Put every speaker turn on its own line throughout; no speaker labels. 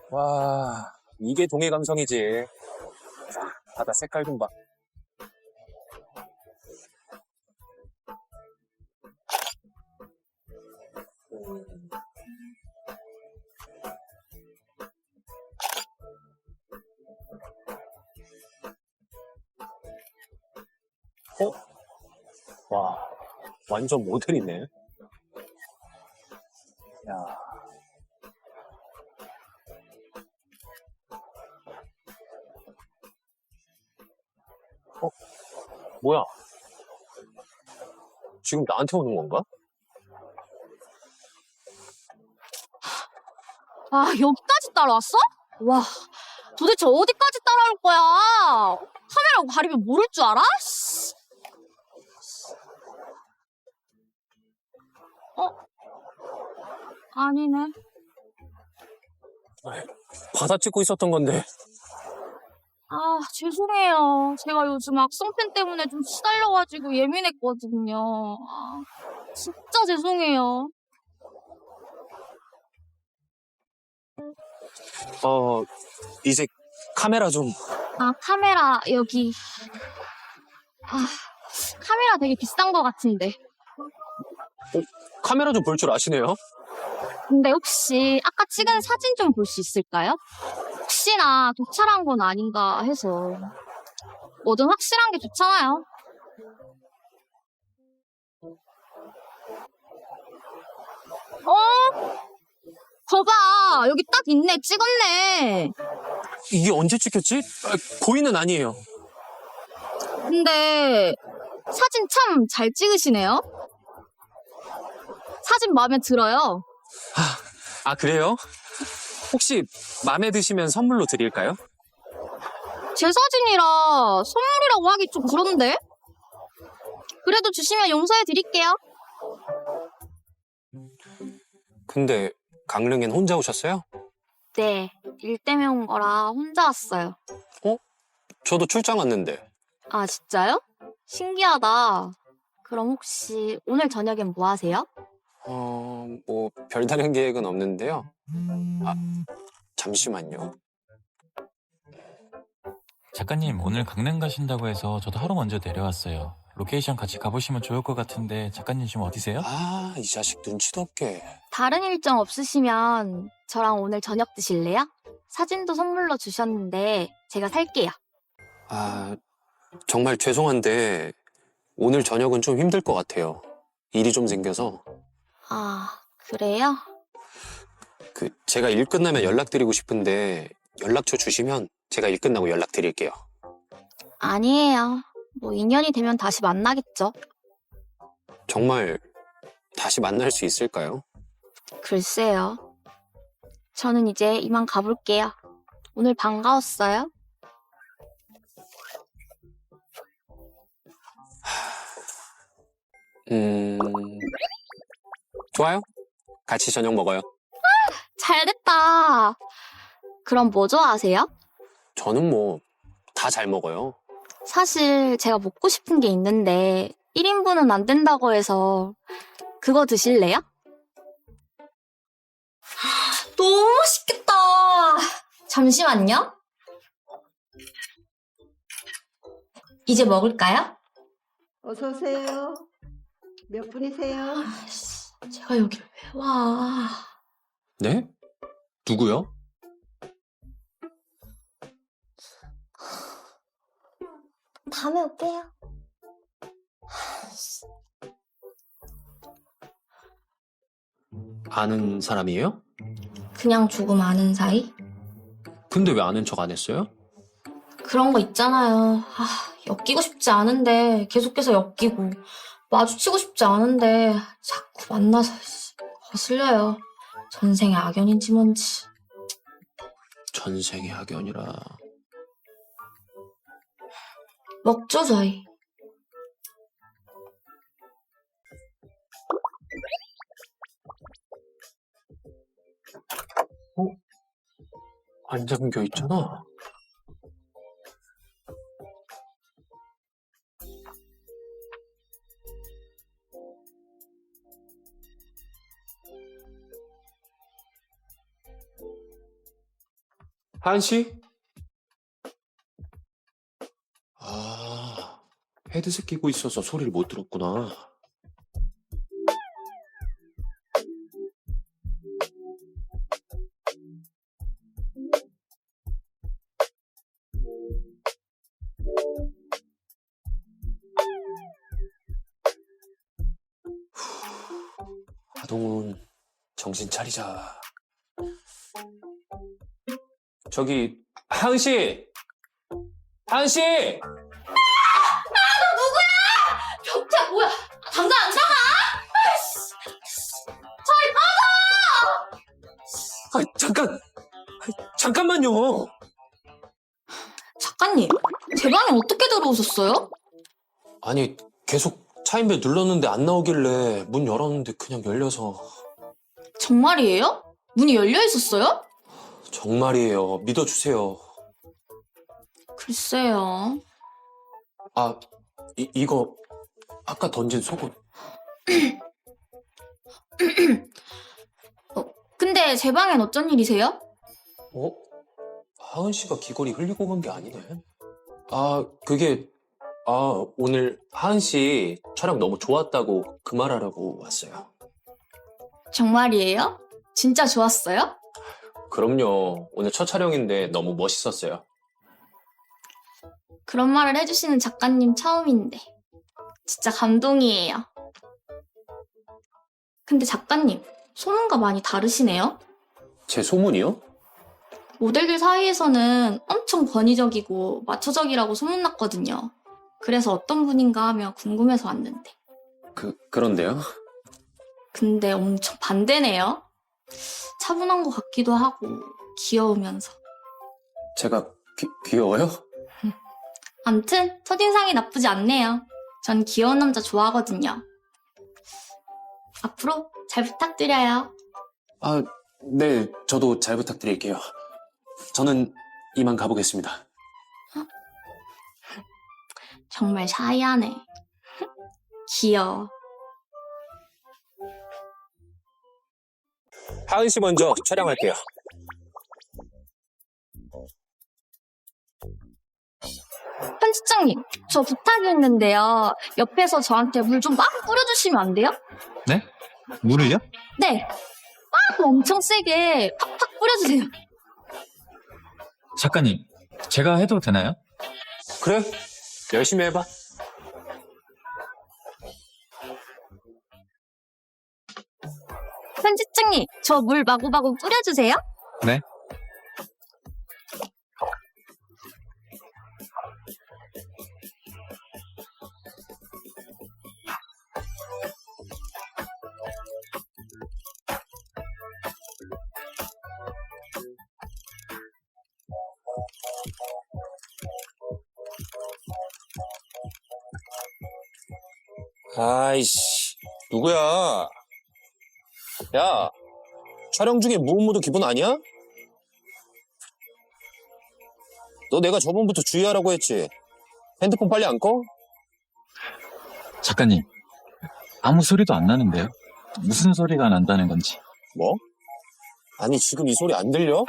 와, 이게 동해 감성이지. 바다 색깔 좀 봐. 어? 와, 완전 모텔이네. 야, 어? 뭐야? 지금 나한테 오는 건가?
아, 여기까지 따라왔어? 와, 도대체 어디까지 따라올 거야? 카메라 가리면 모를 줄 알아? 씨. 어? 아니네.
바다 찍고 있었던 건데.
아, 죄송해요. 제가 요즘 악성팬 때문에 좀 시달려가지고 예민했거든요. 아, 진짜 죄송해요.
이제 카메라 좀.
아, 카메라 여기. 아, 카메라 되게 비싼 거 같은데.
카메라 좀 볼 줄 아시네요?
근데 혹시 아까 찍은 사진 좀 볼 수 있을까요? 혹시나 도찰한 건 아닌가 해서. 뭐든 확실한 게 좋잖아요. 어? 거봐, 여기 딱 있네, 찍었네.
이게 언제 찍혔지? 고의는 아니에요.
근데 사진 참 잘 찍으시네요. 사진 마음에 들어요.
그래요? 혹시 마음에 드시면 선물로 드릴까요?
제 사진이라 선물이라고 하기 좀 그런데? 그래도 주시면 용서해 드릴게요.
근데 강릉엔 혼자 오셨어요?
네, 일 때문에 온 거라 혼자 왔어요.
저도 출장 왔는데.
아, 진짜요? 신기하다. 그럼 혹시 오늘 저녁엔 뭐 하세요?
뭐 별다른 계획은 없는데요. 잠시만요.
작가님, 오늘 강릉 가신다고 해서 저도 하루 먼저 내려왔어요. 로케이션 같이 가보시면 좋을 것 같은데 작가님 지금 어디세요?
이 자식 눈치도 없게.
다른 일정 없으시면 저랑 오늘 저녁 드실래요? 사진도 선물로 주셨는데 제가 살게요.
정말 죄송한데 오늘 저녁은 좀 힘들 것 같아요. 일이 좀 생겨서.
아, 그래요?
제가 일 끝나면 연락드리고 싶은데 연락처 주시면 제가 일 끝나고 연락드릴게요.
아니에요. 뭐 인연이 되면 다시 만나겠죠.
정말 다시 만날 수 있을까요?
글쎄요. 저는 이제 이만 가볼게요. 오늘 반가웠어요.
좋아요. 같이 저녁 먹어요.
잘됐다. 그럼 뭐 좋아하세요?
저는 뭐 다 잘 먹어요.
사실 제가 먹고 싶은 게 있는데 1인분은 안 된다고 해서 그거 드실래요? 너무 맛있겠다. 잠시만요. 이제 먹을까요?
어서 오세요. 몇 분이세요?
제가 여기 왜 와?
네? 누구요?
다음에 올게요.
아는 사람이에요?
그냥 조금 아는 사이?
근데 왜 아는 척 안 했어요?
그런 거 있잖아요. 엮이고 싶지 않은데 계속해서 엮이고 마주치고 싶지 않은데 자꾸 만나서 거슬려요. 전생의 악연인지 뭔지.
전생의 학연이라.
먹죠, 저희.
안 잠겨 있잖아. 하은 씨? 아, 헤드셋 끼고 있어서 소리를 못 들었구나. 하동훈, 정신 차리자. 저기, 하은 씨! 하은 씨!
벽태 뭐야? 당장 안 나가!
잠깐만요.
작가님, 제 방에 어떻게 들어오셨어요?
아니, 계속 차인벨 눌렀는데 안 나오길래 문 열었는데 그냥 열려서.
정말이에요? 문이 열려 있었어요?
정말이에요. 믿어주세요.
글쎄요.
아, 이거 아까 던진 속옷.
근데 제 방엔 어쩐 일이세요?
어? 하은 씨가 귀걸이 흘리고 간 게 아니네. 아, 오늘 하은 씨 촬영 너무 좋았다고 그 말하라고 왔어요.
정말이에요? 진짜 좋았어요?
그럼요. 오늘 첫 촬영인데 너무 멋있었어요.
그런 말을 해주시는 작가님 처음인데 진짜 감동이에요. 근데 작가님, 소문과 많이 다르시네요?
제 소문이요?
모델들 사이에서는 엄청 권위적이고 마초적이라고 소문났거든요. 그래서 어떤 분인가 하며 궁금해서 왔는데.
그런데요?
근데 엄청 반대네요. 차분한 것 같기도 하고 귀여우면서.
제가 귀여워요?
암튼 첫인상이 나쁘지 않네요. 전 귀여운 남자 좋아하거든요. 앞으로 잘 부탁드려요.
아, 네, 저도 잘 부탁드릴게요. 저는 이만 가보겠습니다.
정말 샤이하네. 귀여워.
하은 씨 먼저 촬영할게요.
편집장님, 저 부탁이 있는데요. 옆에서 저한테 물 좀 막 뿌려주시면 안 돼요?
네? 물을요?
네. 막 엄청 세게 팍팍 뿌려주세요.
작가님, 제가 해도 되나요?
그래, 열심히 해봐.
편집장님, 저 물 마구마구 뿌려주세요.
네.
아이씨, 누구야? 야, 촬영 중에 무음무도 기분 아니야? 너 내가 저번부터 주의하라고 했지? 핸드폰 빨리 안 꺼?
작가님, 아무 소리도 안 나는데요? 무슨 소리가 난다는 건지.
뭐? 아니, 지금 이 소리 안 들려?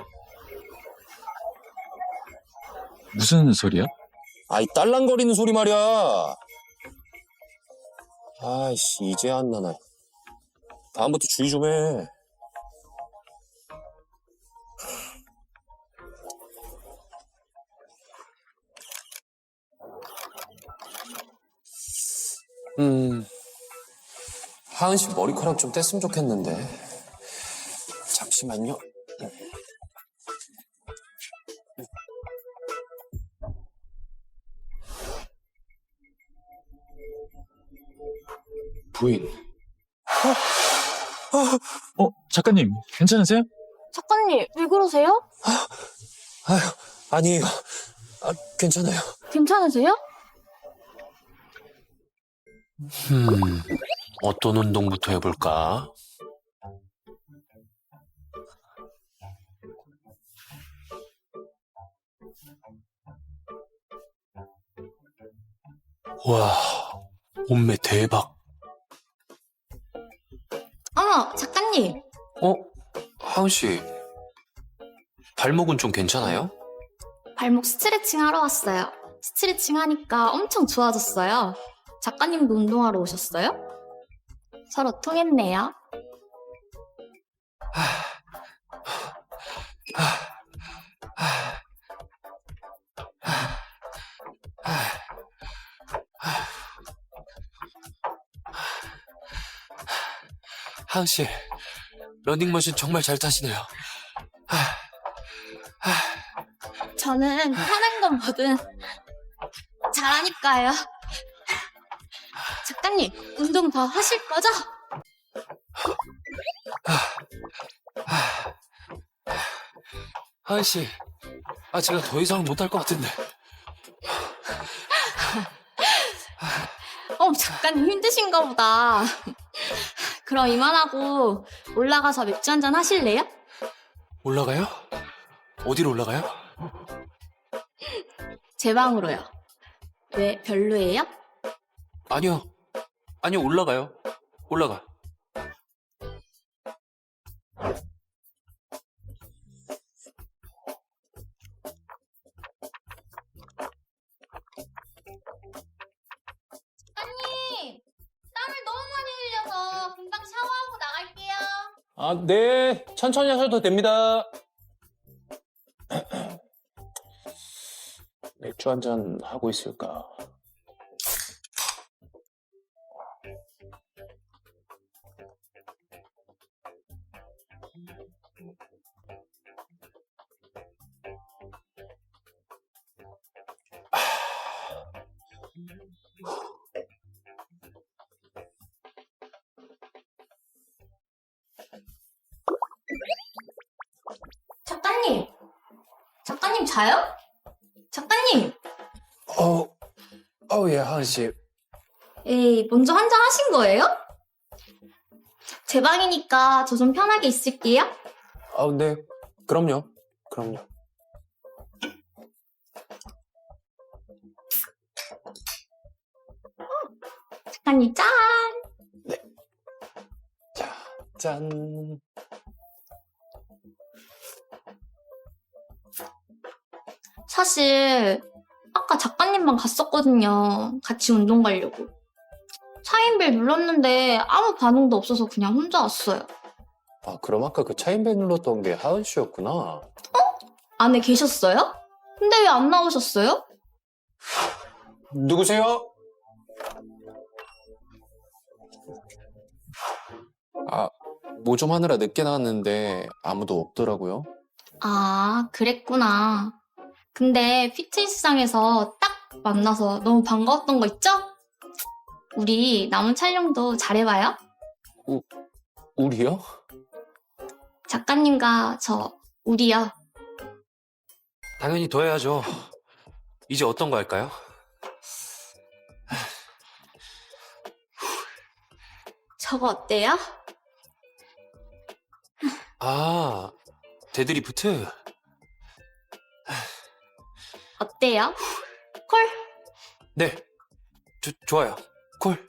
무슨 소리요?
아이, 딸랑거리는 소리 말이야. 아이씨, 이제 안 나나. 다음부터 주의 좀 해. 하은 씨 머리카락 좀 뗐으면 좋겠는데. 잠시만요. 부인.
작가님, 괜찮으세요?
작가님, 왜 그러세요?
아유, 아니에요. 아, 괜찮아요.
괜찮으세요?
어떤 운동부터 해볼까? 와, 몸매 대박.
어머, 작가님.
하은 씨. 발목은 좀 괜찮아요?
발목 스트레칭 하러 왔어요. 스트레칭 하니까 엄청 좋아졌어요. 작가님도 운동하러 오셨어요? 서로 통했네요.
하은 씨, 러닝머신 정말 잘 타시네요.
저는 하는 건 뭐든 잘하니까요. 작가님, 운동 더 하실 거죠?
하은 씨, 제가 더 이상 못할 것 같은데.
작가님 힘드신가 보다. 그럼 이만하고 올라가서 맥주 한잔 하실래요?
올라가요? 어디로 올라가요?
제 방으로요. 왜, 별로예요?
아니요, 올라가요. 올라가.
작가님, 땀을 너무 많이 흘려서 금방 샤워하고 나갈게요.
아, 네. 천천히 하셔도 됩니다. 맥주 한잔 하고 있을까?
작가님 자요? 작가님!
예, 하은 씨.
에이, 먼저 한잔 하신 거예요? 제 방이니까 저 좀 편하게 있을게요.
네. 그럼요.
작가님 짠!
자, 짠.
사실 아까 작가님만 갔었거든요. 같이 운동 가려고. 차인벨 눌렀는데 아무 반응도 없어서 그냥 혼자 왔어요.
그럼 아까 그 차인벨 눌렀던 게 하은 씨였구나.
안에 계셨어요? 근데 왜 안 나오셨어요?
누구세요? 뭐 좀 하느라 늦게 나왔는데 아무도 없더라고요.
아, 그랬구나. 근데 피트니스장에서 딱 만나서 너무 반가웠던 거 있죠? 우리 남은 촬영도 잘해봐요.
우리요?
작가님과 저, 우리요.
당연히 더 해야죠. 이제 어떤 거 할까요?
저거 어때요?
데드리프트?
어때요? 콜?
네, 좋아요. 콜.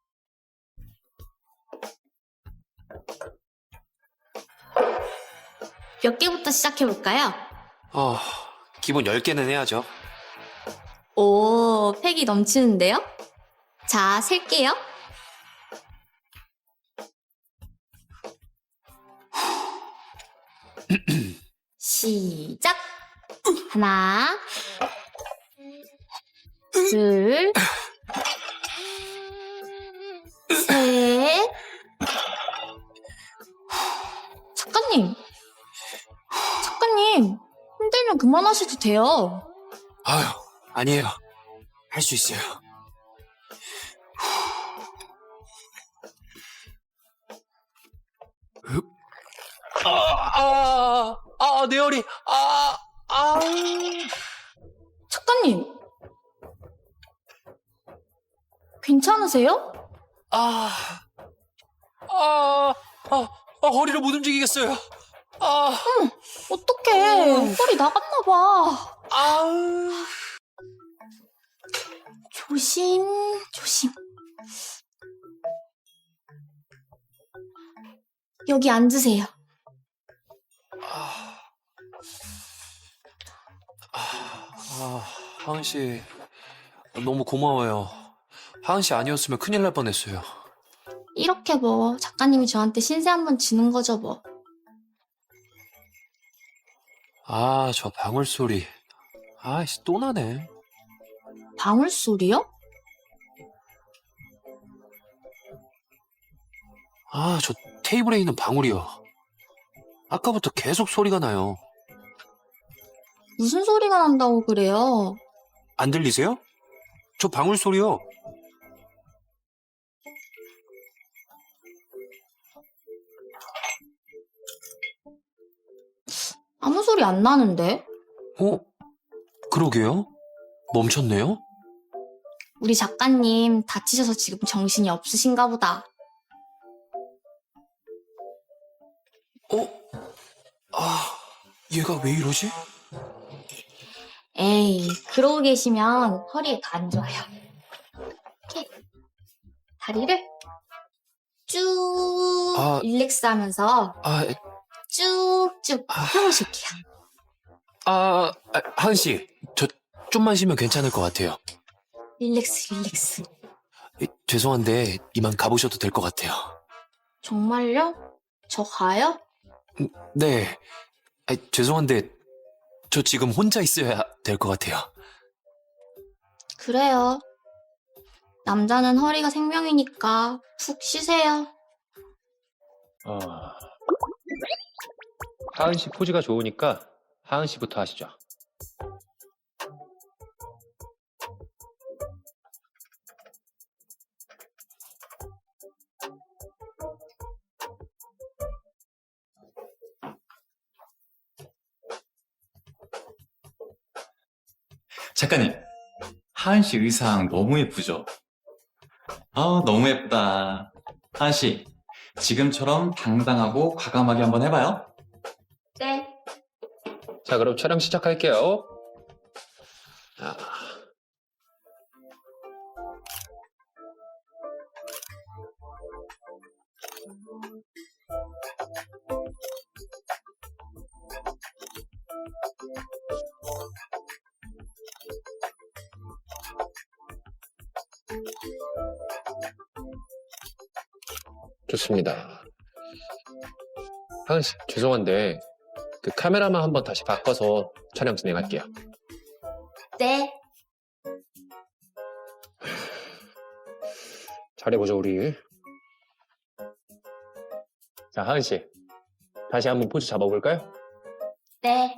몇 개부터 시작해볼까요?
기본 10개는 해야죠.
오, 팩이 넘치는데요? 자, 셀게요. 시작! 하나, 둘, 셋. 작가님, 힘들면 그만하셔도 돼요.
아니에요. 할 수 있어요. 내 허리.
작가님, 괜찮으세요?
허리를 못 움직이겠어요.
어떡해, 허리 나갔나봐. 조심. 여기 앉으세요.
하은 씨, 너무 고마워요. 하은 씨 아니었으면 큰일 날 뻔했어요.
이렇게 뭐 작가님이 저한테 신세 한번 지는 거죠 뭐.
저 방울 소리. 아이씨, 또 나네.
방울 소리요?
저 테이블에 있는 방울이요. 아까부터 계속 소리가 나요.
무슨 소리가 난다고 그래요?
안 들리세요? 저 방울 소리요.
아무 소리 안 나는데?
그러게요. 멈췄네요.
우리 작가님 다치셔서 지금 정신이 없으신가 보다.
얘가 왜 이러지?
에이, 그러고 계시면 허리에 더 안 좋아요. 이렇게 다리를 쭉 릴렉스 하면서 쭉쭉 펴보실게요.
하은 씨, 저 좀만 쉬면 괜찮을 것 같아요.
릴렉스, 릴렉스.
죄송한데 이만 가보셔도 될 것 같아요.
정말요? 저 가요?
네. 죄송한데 저 지금 혼자 있어야 될 것 같아요.
그래요. 남자는 허리가 생명이니까 푹 쉬세요.
하은 씨 포즈가 좋으니까 하은 씨부터 하시죠.
작가님, 하은 씨 의상 너무 예쁘죠? 너무 예쁘다. 하은 씨, 지금처럼 당당하고 과감하게 한번 해봐요.
네.
자, 그럼 촬영 시작할게요. 좋습니다. 하은 씨, 죄송한데 그 카메라만 한번 다시 바꿔서 촬영 진행할게요.
네.
잘해보죠, 우리. 자, 하은 씨, 다시 한번 포즈 잡아볼까요?
네.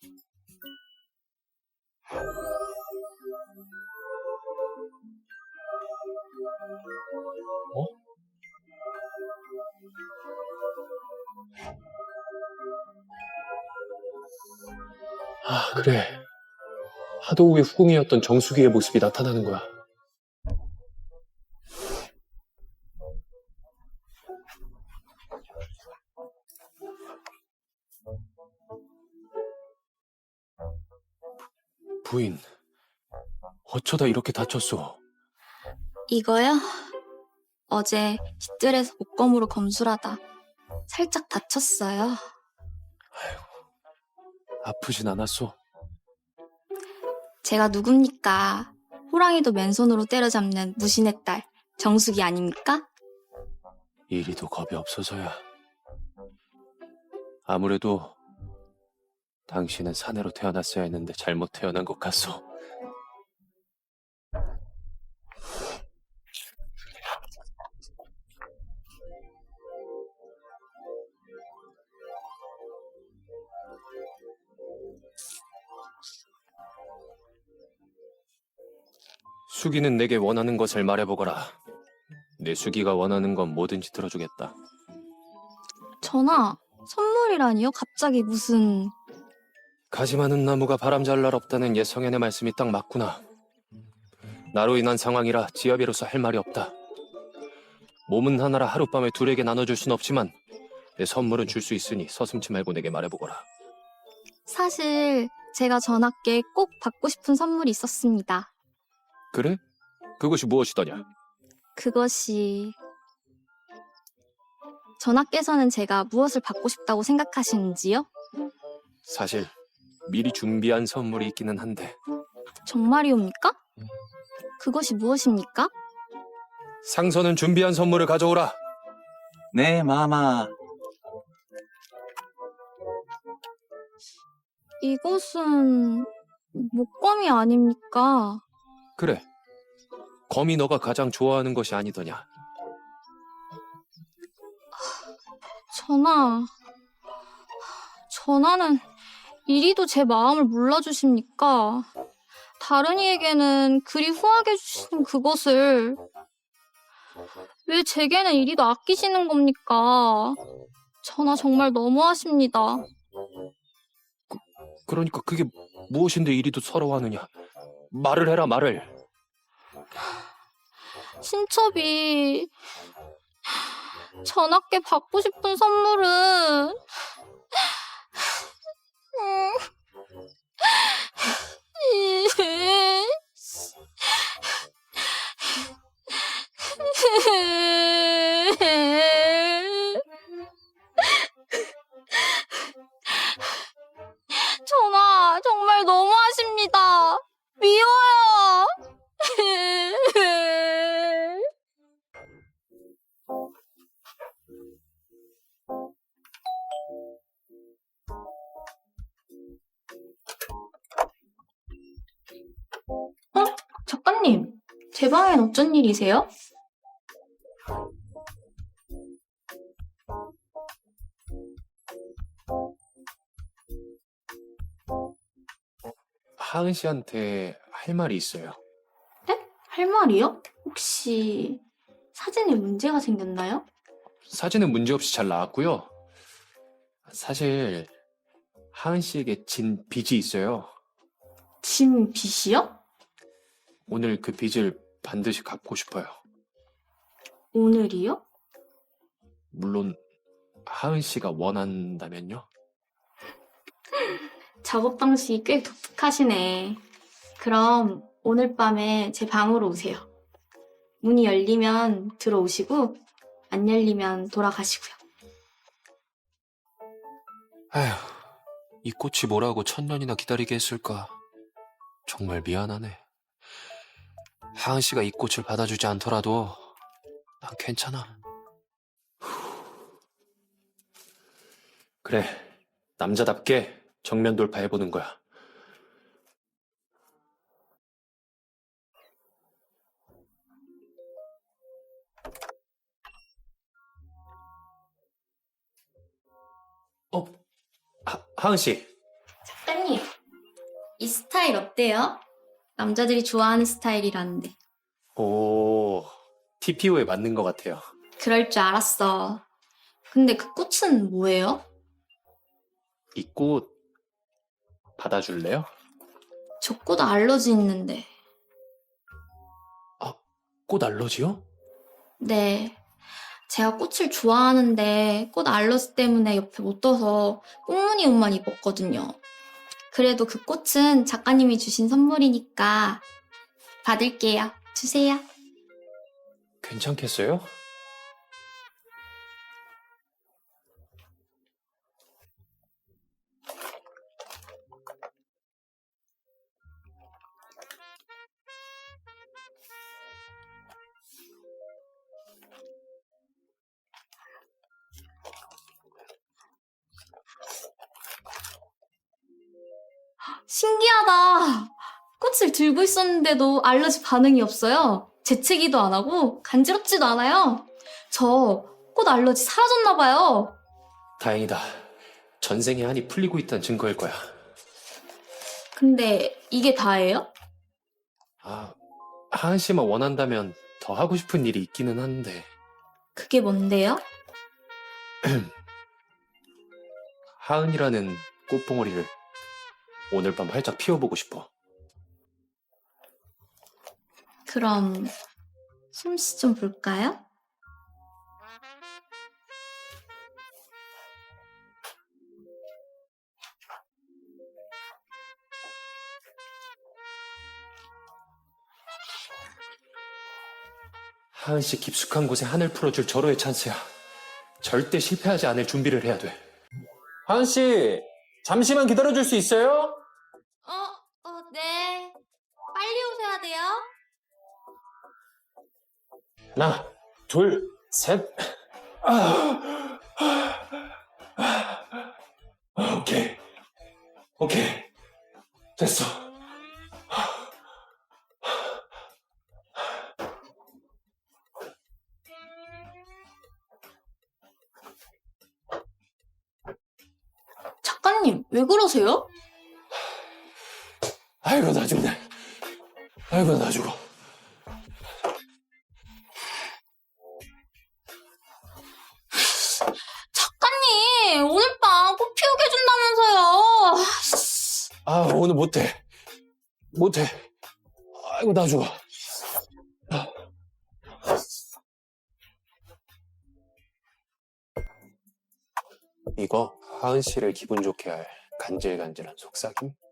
그래. 하도 후에 후궁이었던 정수기의 모습이 나타나는 거야.
부인, 어쩌다 이렇게 다쳤어?
이거요? 어제 빗들에서 목검으로 검술하다 살짝 다쳤어요.
아프진 않았어?
제가 누굽니까? 호랑이도 맨손으로 때려잡는 무신의 딸 정숙이 아닙니까?
이리도 겁이 없어서야. 아무래도 당신은 사내로 태어났어야 했는데 잘못 태어난 것 같소. 수기는 내게 원하는 것을 말해보거라. 내 수기가 원하는 건 뭐든지 들어주겠다.
전하, 선물이라니요? 갑자기 무슨...
가지 많은 나무가 바람 잘 날 없다는 옛 성현의 말씀이 딱 맞구나. 나로 인한 상황이라 지아비로서 할 말이 없다. 몸은 하나라 하룻밤에 둘에게 나눠줄 순 없지만 내 선물은 줄 수 있으니 서슴지 말고 내게 말해보거라.
사실 제가 전하께 꼭 받고 싶은 선물이 있었습니다.
그래? 그것이 무엇이더냐?
그것이... 전하께서는 제가 무엇을 받고 싶다고 생각하시는지요?
사실 미리 준비한 선물이 있기는 한데
정말이옵니까? 그것이 무엇입니까?
상선은 준비한 선물을 가져오라.
네, 마마.
이것은 목검이 아닙니까?
그래. 검이 너가 가장 좋아하는 것이 아니더냐.
전하는 이리도 제 마음을 몰라주십니까? 다른 이에게는 그리 후하게 주시는 그것을 왜 제게는 이리도 아끼시는 겁니까? 전하 정말 너무하십니다.
그러니까 그게 무엇인데 이리도 서러워하느냐. 말을 해라, 말을.
신첩이 전하께 받고 싶은 선물은 전하 정말 너무하십니다. 미워요. 작가님, 제 방엔 어쩐 일이세요?
하은 씨한테 할 말이 있어요.
네? 할 말이요? 혹시 사진에 문제가 생겼나요?
사진은 문제없이 잘 나왔고요. 사실 하은 씨에게 진 빚이 있어요.
진 빚이요?
오늘 그 빚을 반드시 갚고 싶어요.
오늘이요?
물론 하은 씨가 원한다면요.
작업 방식이 꽤 독특하시네. 그럼 오늘 밤에 제 방으로 오세요. 문이 열리면 들어오시고 안 열리면 돌아가시고요.
아휴, 이 꽃이 뭐라고 1000년이나 기다리게 했을까. 정말 미안하네. 하은 씨가 이 꽃을 받아주지 않더라도 난 괜찮아. 그래, 남자답게 정면 돌파해보는 거야. 하은 씨.
작가님, 이 스타일 어때요? 남자들이 좋아하는 스타일이라는데.
오, TPO에 맞는 것 같아요.
그럴 줄 알았어. 근데 그 꽃은 뭐예요?
이 꽃 받아줄래요?
저 꽃 알러지 있는데.
꽃 알러지요?
네. 제가 꽃을 좋아하는데 꽃 알러지 때문에 옆에 못 둬서 꽃무늬 옷만 입었거든요. 그래도 그 꽃은 작가님이 주신 선물이니까 받을게요. 주세요.
괜찮겠어요?
신기하다. 꽃을 들고 있었는데도 알러지 반응이 없어요. 재채기도 안 하고 간지럽지도 않아요. 저 꽃 알러지 사라졌나 봐요.
다행이다. 전생에 한이 풀리고 있다는 증거일 거야.
근데 이게 다예요?
하은 씨만 원한다면 더 하고 싶은 일이 있기는 한데.
그게 뭔데요?
하은이라는 꽃봉오리를 오늘 밤 활짝 피워보고 싶어.
그럼 솜씨 좀 볼까요?
하은 씨 깊숙한 곳에 한을 풀어줄 절호의 찬스야. 절대 실패하지 않을 준비를 해야 돼. 하은 씨, 잠시만 기다려줄 수 있어요?
네. 빨리 오셔야 돼요.
하나, 둘, 셋. 오케이. 오케이. 됐어.
작가님, 왜 그러세요?
아이고, 나 죽네. 아이고, 나 죽어.
작가님, 오늘 밤 꽃 피우게 해준다면서요.
아, 오늘 못해. 못해. 아이고, 나 죽어.
이거 하은 씨를 기분 좋게 할 간질간질한 속삭임?